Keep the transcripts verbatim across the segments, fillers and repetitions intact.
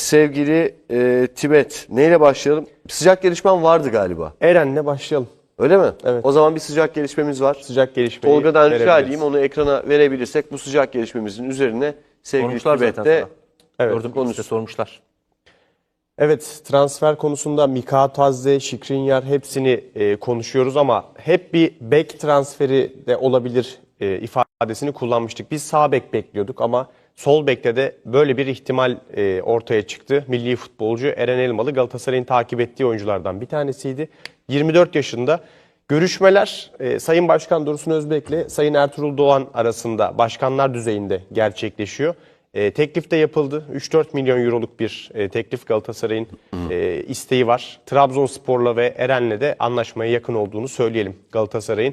sevgili e, Tibet. Neyle başlayalım? Sıcak gelişmen vardı galiba. Eren'le başlayalım. Öyle mi? Evet. O zaman bir sıcak gelişmemiz var. Sıcak gelişmeyi Tolga'dan rica verebiliriz. edeyim, onu ekrana verebilirsek bu sıcak gelişmemizin üzerine sevgili Sormuşlar zaten Tibet'te sana. Evet. Gördüm konusu. işte sormuşlar. Evet, transfer konusunda Mika Tadze, Skriniar hepsini e, konuşuyoruz ama hep bir bek transferi de olabilir e, ifadesini kullanmıştık. Biz sağ bek bekliyorduk ama sol bekte de böyle bir ihtimal e, ortaya çıktı. Milli futbolcu Eren Elmalı Galatasaray'ın takip ettiği oyunculardan bir tanesiydi. yirmi dört yaşında. Görüşmeler e, Sayın Başkan Dursun Özbek'le Sayın Ertuğrul Doğan arasında başkanlar düzeyinde gerçekleşiyor. E, teklif de yapıldı. üç dört milyon euroluk bir e, teklif Galatasaray'ın e, isteği var. Trabzonspor'la ve Eren'le de anlaşmaya yakın olduğunu söyleyelim Galatasaray'ın.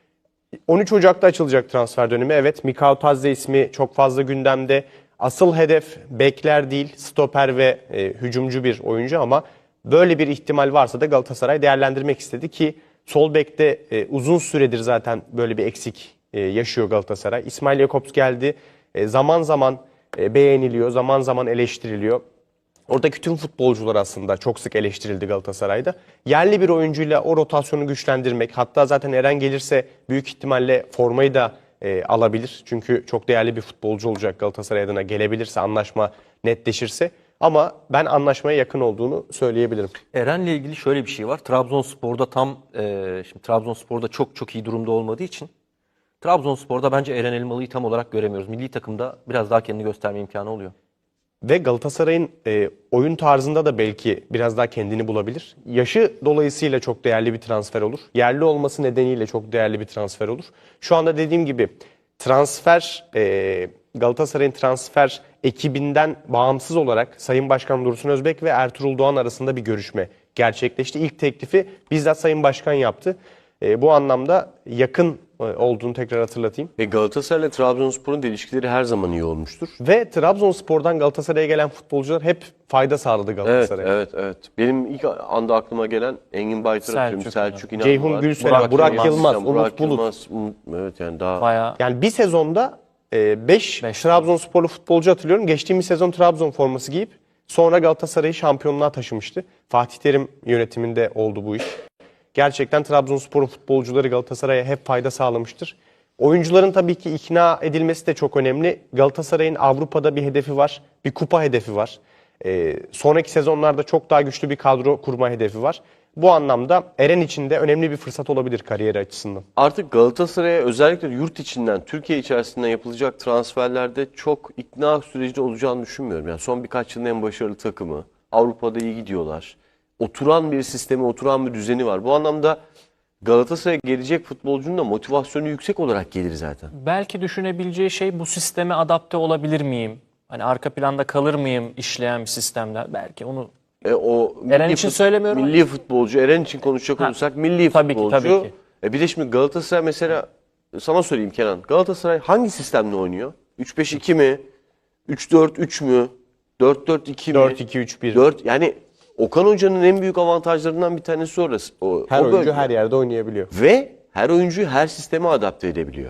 on üç Ocak'ta açılacak transfer dönemi. Evet, Mikao Tadze ismi çok fazla gündemde. Asıl hedef bekler değil, stoper ve e, hücumcu bir oyuncu ama böyle bir ihtimal varsa da Galatasaray değerlendirmek istedi ki sol bekte e, uzun süredir zaten böyle bir eksik e, yaşıyor Galatasaray. İsmail Jakobs geldi. E, zaman zaman e, beğeniliyor, zaman zaman eleştiriliyor. Oradaki tüm futbolcular aslında çok sık eleştirildi Galatasaray'da. Yerli bir oyuncuyla o rotasyonu güçlendirmek, hatta zaten Eren gelirse büyük ihtimalle formayı da e, alabilir. Çünkü çok değerli bir futbolcu olacak Galatasaray adına, gelebilirse, anlaşma netleşirse. Ama ben anlaşmaya yakın olduğunu söyleyebilirim. Eren'le ilgili şöyle bir şey var. Trabzonspor'da tam e, şimdi Trabzonspor'da çok çok iyi durumda olmadığı için Trabzonspor'da bence Eren Elmalı'yı tam olarak göremiyoruz. Milli takımda biraz daha kendini gösterme imkanı oluyor. Ve Galatasaray'ın e, oyun tarzında da belki biraz daha kendini bulabilir. Yaşı dolayısıyla çok değerli bir transfer olur. Yerli olması nedeniyle çok değerli bir transfer olur. Şu anda dediğim gibi transfer e, Galatasaray'ın transfer ekibinden bağımsız olarak Sayın Başkan Dursun Özbek ve Ertuğrul Doğan arasında bir görüşme gerçekleşti. İlk teklifi bizzat Sayın Başkan yaptı. E, bu anlamda yakın e, olduğunu tekrar hatırlatayım. Ve Galatasaray ile Trabzonspor'un da ilişkileri her zaman iyi olmuştur. Ve Trabzonspor'dan Galatasaray'a gelen futbolcular hep fayda sağladı Evet, Galatasaray'a. evet, evet. Benim ilk anda aklıma gelen Engin Baytar atıyorum, Selçuk, Selçuk İnan Ceyhun var. Gülseren, Burak Burak, Yılmaz, Yılmaz, Yani Umut Burak Bulut. Yılmaz, Umut- evet yani daha Bayağı Yani bir sezonda beş Beş. Trabzonsporlu futbolcu hatırlıyorum. Geçtiğimiz sezon Trabzon forması giyip sonra Galatasaray'ı şampiyonluğa taşımıştı. Fatih Terim yönetiminde oldu bu iş. Gerçekten Trabzonspor'un futbolcuları Galatasaray'a hep fayda sağlamıştır. Oyuncuların tabii ki ikna edilmesi de çok önemli. Galatasaray'ın Avrupa'da bir hedefi var, bir kupa hedefi var. Ee, sonraki sezonlarda çok daha güçlü bir kadro kurma hedefi var. Bu anlamda Eren için de önemli bir fırsat olabilir kariyeri açısından. artık Galatasaray'a özellikle yurt içinden, Türkiye içerisinden yapılacak transferlerde çok ikna süreci olacağını düşünmüyorum. Yani son birkaç yılın en başarılı takımı, Avrupa'da iyi gidiyorlar. Oturan bir sistemi, oturan bir düzeni var. Bu anlamda Galatasaray'a gelecek futbolcunun da motivasyonu yüksek olarak gelir zaten. Belki düşünebileceği şey bu sisteme adapte olabilir miyim? Hani arka planda kalır mıyım işleyen bir sistemde? Belki onu E, o Eren milli için fut- söylemiyorum. Milli futbolcu, Eren için konuşacak Ha, olursak milli tabii ki, futbolcu. tabii ki. E bir de şimdi Galatasaray mesela, sana söyleyeyim Kenan. Galatasaray hangi sistemle oynuyor? üç beş iki mi? üç dört üç mü? dört dört iki mi? dört iki üç bir. dört yani Okan Hoca'nın en büyük avantajlarından bir tanesi orası. O, Her o oyuncu bölge. her yerde oynayabiliyor. Ve her oyuncuyu her sisteme adapte edebiliyor.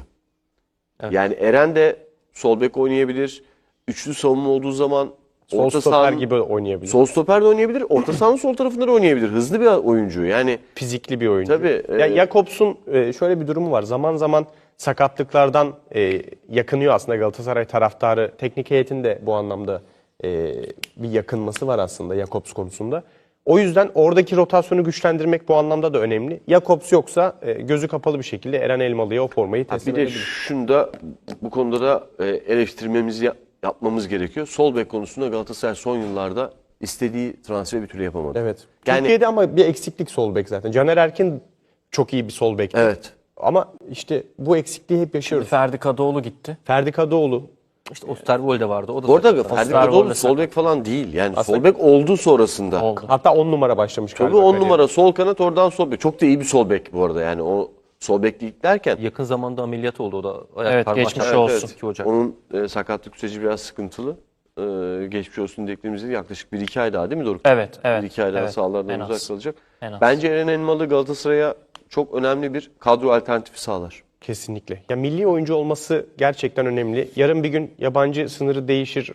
Yani Eren de sol bek oynayabilir. Üçlü savunma olduğu zaman Sol orta stoper sahanın- gibi oynayabiliyor. Sol stoper de oynayabilir. Orta sahanın sol tarafında da oynayabilir. Hızlı bir oyuncu. Yani Fizikli bir oyuncu. Tabii, Ya e- Jakobs'un e, şöyle bir durumu var. Zaman zaman sakatlıklardan e, yakınıyor aslında Galatasaray taraftarı. Teknik heyetin de bu anlamda e, bir yakınması var aslında Jakobs konusunda. O yüzden oradaki rotasyonu güçlendirmek bu anlamda da önemli. Jakobs yoksa e, gözü kapalı bir şekilde Eren Elmalı'ya o formayı teslim bir de edebilir. şunu da bu konuda da e, eleştirmemizi ya- yapmamız gerekiyor. Sol bek konusunda Galatasaray son yıllarda istediği transferi bir türlü yapamadı. Evet. Yani- Türkiye'de ama bir eksiklik sol bek zaten. Caner Erkin çok iyi bir sol bek. Evet. Ama işte bu eksikliği hep yaşıyoruz. Ferdi Kadıoğlu gitti. Ferdi Kadıoğlu işte Osterwolde vardı. O da Bu arada sakatlandı. Ferdi Osterwolde Kadıoğlu sakat. sol bek falan değil. Yani Aslında- sol bek oldu sonrasında. Oldu. hatta on numara başlamış Tabii galiba on kariyeri. numara sol kanat, oradan sol bek. Çok da iyi bir sol bek bu arada. Yani o sol beklik derken. Yakın zamanda ameliyat oldu o da. Ayak Evet, parmağı geçmiş çarptı. olsun. iki Ocak. Onun e, sakatlık süreci biraz sıkıntılı. E, geçmiş olsun dediklerimizde yaklaşık bir iki ay daha değil mi Doruk? Evet, evet. Bir iki ay daha evet. sahalardan En uzak az. kalacak. En az. Bence Eren Elmalı Galatasaray'a çok önemli bir kadro alternatifi sağlar. Kesinlikle. Ya milli oyuncu olması gerçekten önemli. Yarın bir gün yabancı sınırı değişir.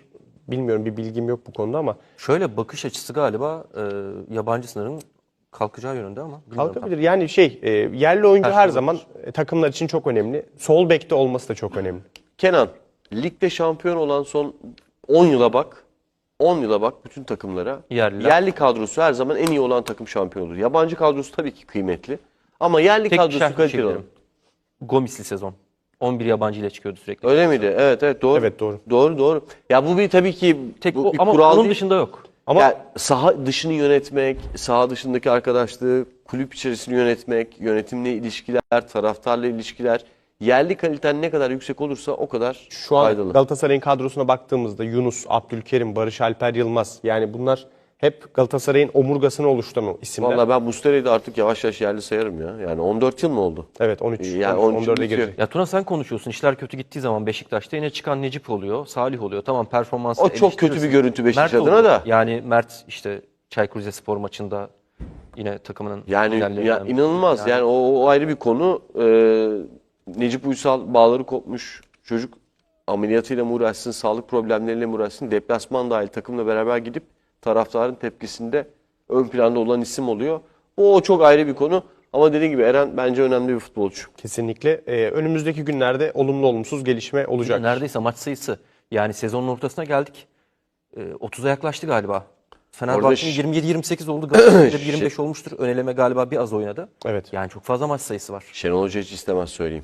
bilmiyorum, bir bilgim yok bu konuda ama Şöyle bakış açısı galiba e, yabancı sınırın kalkacağı yönünde ama bilmiyorum kalkabilir. Yani şey e, yerli oyuncu Her her şey zaman e, takımlar için çok önemli. Sol bekte olması da çok önemli. Kenan, ligde şampiyon olan son on yıla bak. on yıla bak bütün takımlara. Yerliler. Yerli kadrosu her zaman en iyi olan takım şampiyon olur. Yabancı kadrosu tabii ki kıymetli. Ama yerli Tek kadrosu şerh bir şey kaliteli olan. bilirim. Gomisli sezon. on bir yabancı ile çıkıyordu sürekli. Öyle miydi? Evet evet doğru. Evet, doğru. Doğru doğru. Ya bu bir tabii ki Tek bu o, bir ama kural onun değil. dışında yok. Ama Ya saha dışını yönetmek, saha dışındaki arkadaşlığı, kulüp içerisini yönetmek, yönetimle ilişkiler, taraftarla ilişkiler, yerli kaliten ne kadar yüksek olursa o kadar şu an faydalı. Galatasaray'ın kadrosuna baktığımızda Yunus, Abdülkerim, Barış Alper Yılmaz, yani bunlar hep Galatasaray'ın omurgasını oluşturan isimler. Vallahi ben Muslera'yı da artık yavaş yavaş yerli sayarım ya. Yani on dört yıl mı oldu? Evet, on üç, Yani on üç, on üç on dörde bitiyor. girecek. Ya Tuna sen konuşuyorsun. İşler kötü gittiği zaman Beşiktaş'ta yine çıkan Necip oluyor, Salih oluyor. Tamam performansı O çok kötü bir görüntü Beşiktaş adına da. Yani Mert işte Çaykur Rizespor maçında yine takımının Yani liderlerinden ya biri. inanılmaz. Yani, o, o ayrı bir konu. Ee, Necip Uysal bağları kopmuş çocuk ameliyatıyla mı uğraşsın, sağlık problemleriyle mi uğraşsın, deplasman dahil takımla beraber gidip taraftarın tepkisinde ön planda olan isim oluyor. O, o çok ayrı bir konu. Ama dediğim gibi Eren bence önemli bir futbolcu. Kesinlikle. Ee, önümüzdeki günlerde olumlu olumsuz gelişme olacak. Neredeyse maç sayısı. Yani sezonun ortasına geldik. Ee, otuza yaklaştı galiba. Fenerbahçe'nin ş- yirmi yedi yirmi sekiz oldu. Galatasaray'da yirmi beş olmuştur. Öneleme galiba bir az oynadı. Evet. Yani çok fazla maç sayısı var. Şenol Hoca hiç istemez söyleyeyim.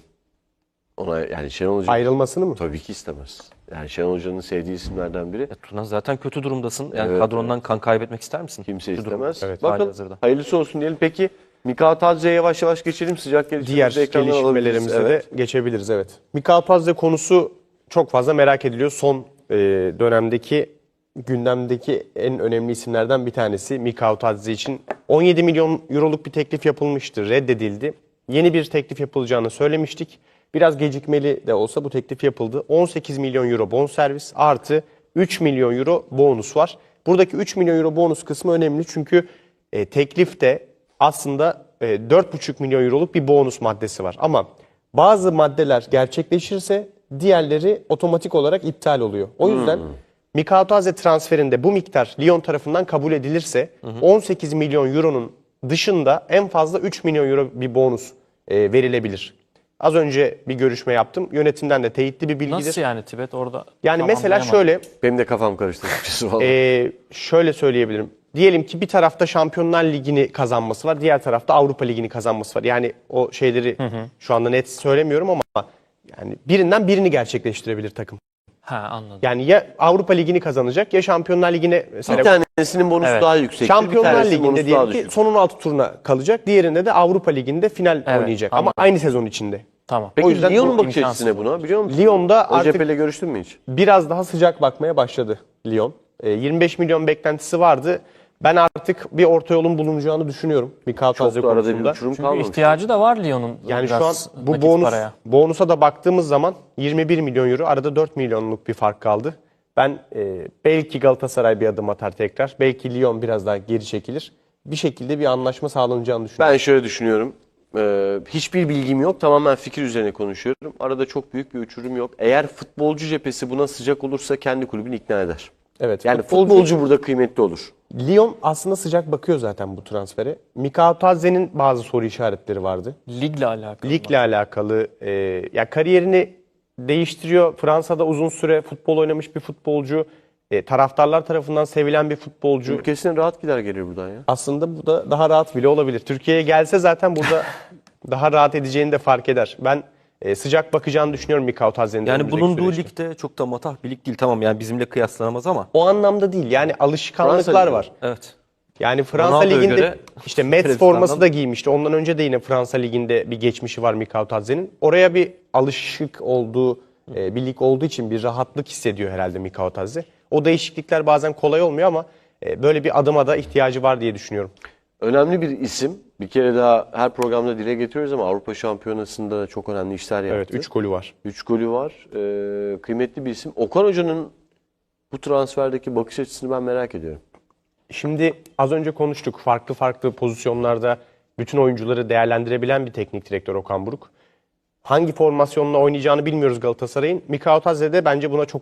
Ona yani Şenol Hoca Ayrılmasını mı? tabii ki istemez. Yani Şenol Hoca'nın sevdiği isimlerden biri. Ya Tuna zaten kötü durumdasın. Yani Evet, kadrondan kan kaybetmek ister misin? Kimse Kötü durumda. istemez. Evet. Bakın Halihazırda. hayırlısı olsun diyelim. Peki Mikal Tadze'ye yavaş yavaş geçelim. Sıcak Diğer gelişmelerimizi ekrandan alabiliriz. gelişmelerimize Evet. de geçebiliriz, evet. Mikal Tadze konusu çok fazla merak ediliyor. Son e, dönemdeki gündemdeki en önemli isimlerden bir tanesi Mikal Tadze için. on yedi milyon euroluk bir teklif yapılmıştı, reddedildi. Yeni bir teklif yapılacağını söylemiştik. Biraz gecikmeli de olsa bu teklif yapıldı. on sekiz milyon euro bonservis artı üç milyon euro bonus var. Buradaki üç milyon euro bonus kısmı önemli çünkü e, teklifte aslında e, dört buçuk milyon euroluk bir bonus maddesi var. Ama bazı maddeler gerçekleşirse diğerleri otomatik olarak iptal oluyor. O yüzden Mikal Tadze transferinde bu miktar Lyon tarafından kabul edilirse on sekiz milyon euronun dışında en fazla üç milyon euro bir bonus e, verilebilir. Az önce bir görüşme yaptım. Yönetimden de teyitli bir bilgidir. Nasıl yani Tibet orada? Yani tam mesela anlayamadım. şöyle Benim de kafam karıştı açıkçası vallahi. ee, şöyle söyleyebilirim. Diyelim ki bir tarafta Şampiyonlar Ligi'ni kazanması var, diğer tarafta Avrupa Ligi'ni kazanması var. Yani o şeyleri şu anda net söylemiyorum ama yani birinden birini gerçekleştirebilir takım. Ha anladım. Yani ya Avrupa Ligi'ni kazanacak ya Şampiyonlar Ligi'ne mesela bir tanesinin bonusu Evet. daha yüksektir. bir Şampiyonlar tanesinin Ligi'nde bonusu daha diyelim ki düşük. son on altı turuna kalacak. Diğerinde de Avrupa Ligi'nde final Evet, oynayacak anladım. ama aynı sezon içinde. Tamam. Peki O yüzden Lyon'un bu bakış açısı ne imkansız. buna biliyor musun? Lyon'da O artık cepheyle görüştün mü hiç? biraz daha sıcak bakmaya başladı Lyon. E, yirmi beş milyon beklentisi vardı. Ben artık bir orta yolun bulunacağını düşünüyorum Mikal Çok Tadze da arada bir konusunda. uçurum Çünkü kalmamış. ihtiyacı da var Lyon'un. Yani şu an biraz bu nakit bonus paraya. bonusa da baktığımız zaman yirmi bir milyon euro, arada dört milyonluk bir fark kaldı. Ben e, belki Galatasaray bir adım atar tekrar. Belki Lyon biraz daha geri çekilir. Bir şekilde bir anlaşma sağlanacağını düşünüyorum. Ben şöyle düşünüyorum. Ee, hiçbir bilgim yok. Tamamen fikir üzerine konuşuyorum. Arada çok büyük bir uçurum yok. Eğer futbolcu cephesi buna sıcak olursa kendi kulübünü ikna eder. Evet. Yani futbolcu, futbolcu burada kıymetli olur. Lyon aslında sıcak bakıyor zaten bu transfere. Mikal Tadze'nin bazı soru işaretleri vardı. Ligle alakalı. Ligle alakalı e, ya kariyerini değiştiriyor. Fransa'da uzun süre futbol oynamış bir futbolcu. E, taraftarlar tarafından sevilen bir futbolcu. Ülkesine rahat gider gelir buradan ya. Aslında bu da daha rahat bile olabilir. Türkiye'ye gelse zaten burada daha rahat edeceğini de fark eder. Ben e, sıcak bakacağını düşünüyorum Mikal Tadze'nin. Yani önümüzdeki bulunduğu süreçte. ligde çok da matah bir lig değil. Tamam yani bizimle kıyaslanamaz ama. O anlamda değil. Yani alışkanlıklar Fransa Ligi. var. Evet. Yani Fransa Ronaldo'ya Ligi'nde göre işte Metz Trevisan'dan- forması da giymişti. Ondan önce de yine Fransa Ligi'nde bir geçmişi var Mikal Tadze'nin. Oraya bir alışık olduğu, e, bir lig olduğu için bir rahatlık hissediyor herhalde Mikal Tadze. O değişiklikler bazen kolay olmuyor ama e, böyle bir adıma da ihtiyacı var diye düşünüyorum. Önemli bir isim. Bir kere daha her programda dile getiriyoruz ama Avrupa Şampiyonası'nda da çok önemli işler yaptı. Evet, üç golü var. üç golü var. Ee, kıymetli bir isim. Okan Hoca'nın bu transferdeki bakış açısını ben merak ediyorum. Şimdi az önce konuştuk. Farklı farklı pozisyonlarda bütün oyuncuları değerlendirebilen bir teknik direktör Okan Buruk. Hangi formasyonla oynayacağını bilmiyoruz Galatasaray'ın. Mikal Tadze de bence buna çok uygun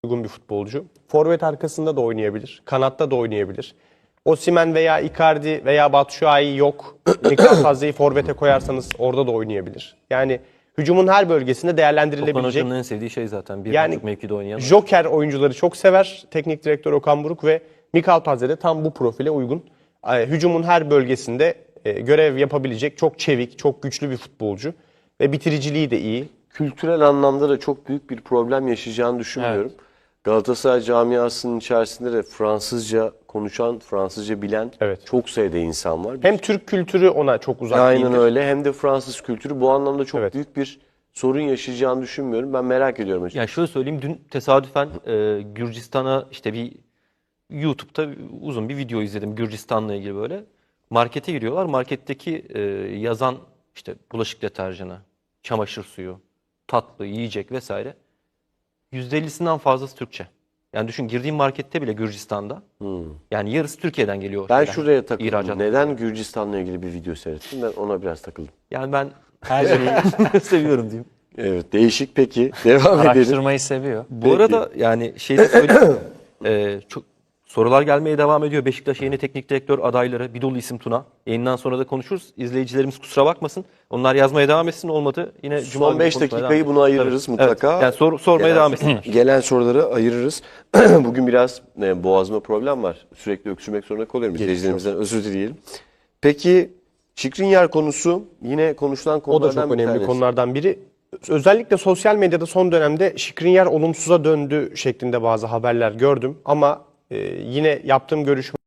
uygun bir futbolcu. Forvet arkasında da oynayabilir. Kanatta da oynayabilir. Osimhen veya Icardi veya Batshuayi yok. Mikael Tazdze'yi forvete koyarsanız orada da oynayabilir. Yani hücumun her bölgesinde Okan değerlendirilebilecek. Hoca'nın en sevdiği şey zaten. Bir Yani buçuk mevkide oynayan. Joker oyuncuları çok sever. Teknik direktör Okan Buruk ve Mikael Tadze de tam bu profile uygun. E, Hücumun her bölgesinde e, görev yapabilecek çok çevik, çok güçlü bir futbolcu. Ve bitiriciliği de iyi. Kültürel anlamda da çok büyük bir problem yaşayacağını düşünmüyorum. Galatasaray camiasının içerisinde de Fransızca konuşan, Fransızca bilen Evet. çok sayıda insan var. Hem Türk kültürü ona çok uzak Aynen değildir. öyle, hem de Fransız kültürü bu anlamda çok Evet. büyük bir sorun yaşayacağını düşünmüyorum. Ben merak ediyorum açıkçası. Yani şöyle söyleyeyim, dün tesadüfen e, Gürcistan'a işte bir YouTube'da uzun bir video izledim Gürcistan'la ilgili böyle. Markete giriyorlar. Marketteki e, yazan işte bulaşık deterjanı, çamaşır suyu, tatlı, yiyecek vesaire yüzde ellisinden fazlası Türkçe. Yani düşün, girdiğim markette bile Gürcistan'da yani yarısı Türkiye'den geliyor. Ben şeyler, şuraya takıldım. ihracat. Neden Gürcistan'la ilgili bir video seyrettim? Ben ona biraz takıldım. Yani ben her şeyi seviyorum diyeyim. Evet, değişik. Peki, devam edelim. Araştırmayı seviyor. Bu Peki. arada yani şey de söyleyeyim. Ee, çok sorular gelmeye devam ediyor. Beşiktaş yeni teknik direktör adayları bir dolu isim Tuna. Yayından sonra da konuşuruz. İzleyicilerimiz kusura bakmasın. Onlar yazmaya devam etsin. Olmadı yine Cuma Son günü beş konuşmaya dakikayı devam buna ederiz. ayırırız Tabii. mutlaka. Evet. Yani sor, sormaya Gelen- devam etsinler. Gelen soruları ayırırız. Bugün biraz e, boğazma problem var. Sürekli öksürmek zorunda kalıyorum. İzleyicilerimizden özür dileyelim. Peki Skriniar konusu yine konuşulan O da konulardan çok bir önemli tanesi. konulardan biri. Özellikle sosyal medyada son dönemde Skriniar olumsuza döndü şeklinde bazı haberler gördüm. Ama e, yine yaptığım görüşme